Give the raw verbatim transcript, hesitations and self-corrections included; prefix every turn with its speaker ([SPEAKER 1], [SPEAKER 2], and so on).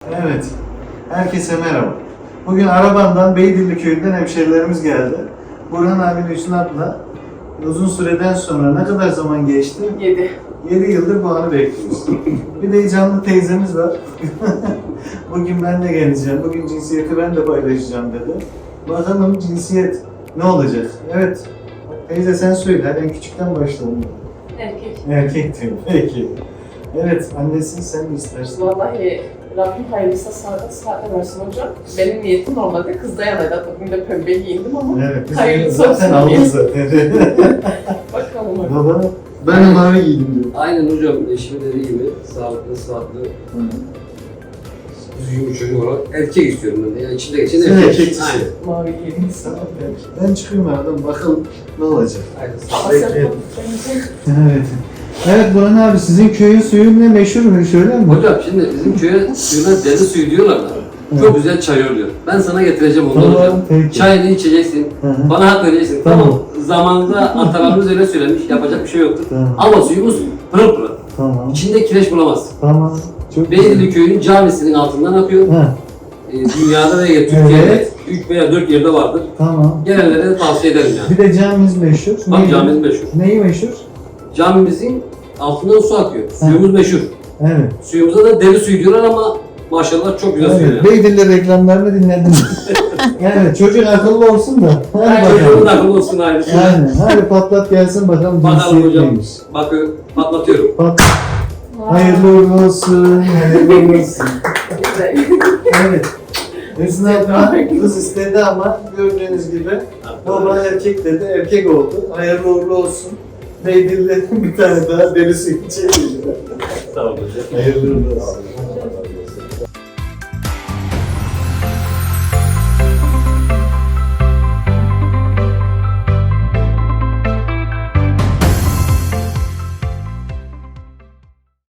[SPEAKER 1] Evet, herkese merhaba. Bugün Araban'dan Beydilli köyünden hemşerilerimiz geldi. Burhan abinin Hüsnü abla uzun süreden sonra ne kadar zaman geçti?
[SPEAKER 2] Yedi.
[SPEAKER 1] yedi yıldır bu anı bekliyoruz. Bir de canlı teyzemiz var. Bugün ben de geleceğim, bugün cinsiyeti ben de paylaşacağım dedi. Bakalım cinsiyet ne olacak? Evet, teyze sen söyle, hadi en küçükten başlayalım.
[SPEAKER 2] Erkek.
[SPEAKER 1] Erkek diyor, peki. Evet, annesi sen mi istersin?
[SPEAKER 2] Vallahi Rabbim hayırlısı sağda saatte versin hocam. Benim niyetim normalde kızda yanaydı. Bugün de pembe giyindim ama
[SPEAKER 1] Evet, biz
[SPEAKER 2] hayırlısı
[SPEAKER 1] zaten
[SPEAKER 2] olsun diye.
[SPEAKER 1] aldık zaten.
[SPEAKER 2] Bakalım hocam.
[SPEAKER 1] Baba, ben de mavi giydim diyor.
[SPEAKER 3] Aynen hocam, eşimin dediği gibi sağlıklı, sıhhatli, düzgün bir çocuk olarak erkek istiyorum ben de. Yani içinde geçen
[SPEAKER 1] Sen
[SPEAKER 3] erkek.
[SPEAKER 1] erkeksin.
[SPEAKER 3] Aynen.
[SPEAKER 2] Mavi giydim.
[SPEAKER 1] Tamam, ben, ben çıkayım aradan bakalım ne olacak.
[SPEAKER 3] Aynen.
[SPEAKER 2] Asya
[SPEAKER 1] Bekleyelim.
[SPEAKER 2] bence
[SPEAKER 1] Evet. Evet Burhan abi, sizin köyün suyu ne meşhur mu söyler mi?
[SPEAKER 3] Hocam şimdi bizim köye suyuna deli suyu diyorlar da.
[SPEAKER 1] Evet.
[SPEAKER 3] Çok güzel çay oluyor. Ben sana getireceğim onu
[SPEAKER 1] Tamam,
[SPEAKER 3] hocam.
[SPEAKER 1] peki.
[SPEAKER 3] Çayını içeceksin.
[SPEAKER 1] Hı hı.
[SPEAKER 3] Bana hak vereceksin.
[SPEAKER 1] Tamam.
[SPEAKER 3] Tamam. Zamanında atalarımız öyle söylemiş. Yapacak bir şey yoktur.
[SPEAKER 1] Tamam.
[SPEAKER 3] Ama suyumuz pırıl pırıl.
[SPEAKER 1] Tamam.
[SPEAKER 3] İçinde kireç bulamazsın.
[SPEAKER 1] Tamam. Çok
[SPEAKER 3] Beydili köyünün camisinin altından akıyor.
[SPEAKER 1] Ha,
[SPEAKER 3] Ee, dünyada ve Türkiye'de
[SPEAKER 1] Evet.
[SPEAKER 3] üç veya dört yerde vardır.
[SPEAKER 1] tamam.
[SPEAKER 3] Gelenlere de tavsiye ederim yani.
[SPEAKER 1] Bir de camimiz meşhur.
[SPEAKER 3] Bak
[SPEAKER 1] Neyi-
[SPEAKER 3] camimiz meşhur.
[SPEAKER 1] Neyi meşhur?
[SPEAKER 3] Camimizin altından su akıyor. Suyumuz meşhur.
[SPEAKER 1] Evet.
[SPEAKER 3] Suyumuza da deli suyu diyorlar ama maşallah çok güzel suyu.
[SPEAKER 1] Evet.
[SPEAKER 3] yani.
[SPEAKER 1] Beydilli reklamlarını dinlediniz. Evet, çocuk akıllı olsun da. Hadi
[SPEAKER 3] Çocuğun
[SPEAKER 1] bakalım.
[SPEAKER 3] akıllı olsun ayrıca.
[SPEAKER 1] Aynen. Hadi patlat gelsin bakalım
[SPEAKER 3] Bakalım
[SPEAKER 1] cinsiyet
[SPEAKER 3] hocam.
[SPEAKER 1] neymiş.
[SPEAKER 3] Bakın patlatıyorum.
[SPEAKER 1] Pat. Hayırlı uğurlu olsun. Hayırlı uğurlu olsun.
[SPEAKER 2] güzel.
[SPEAKER 1] Evet. Hüsnü abla kız istedi ama gördüğünüz gibi baba erkek dedi, erkek oldu. Hayırlı uğurlu olsun. Beydilli bir tane daha deli suyu içelim.
[SPEAKER 3] Sağ olun hocam.
[SPEAKER 1] Hayırlı uğurlu olsun.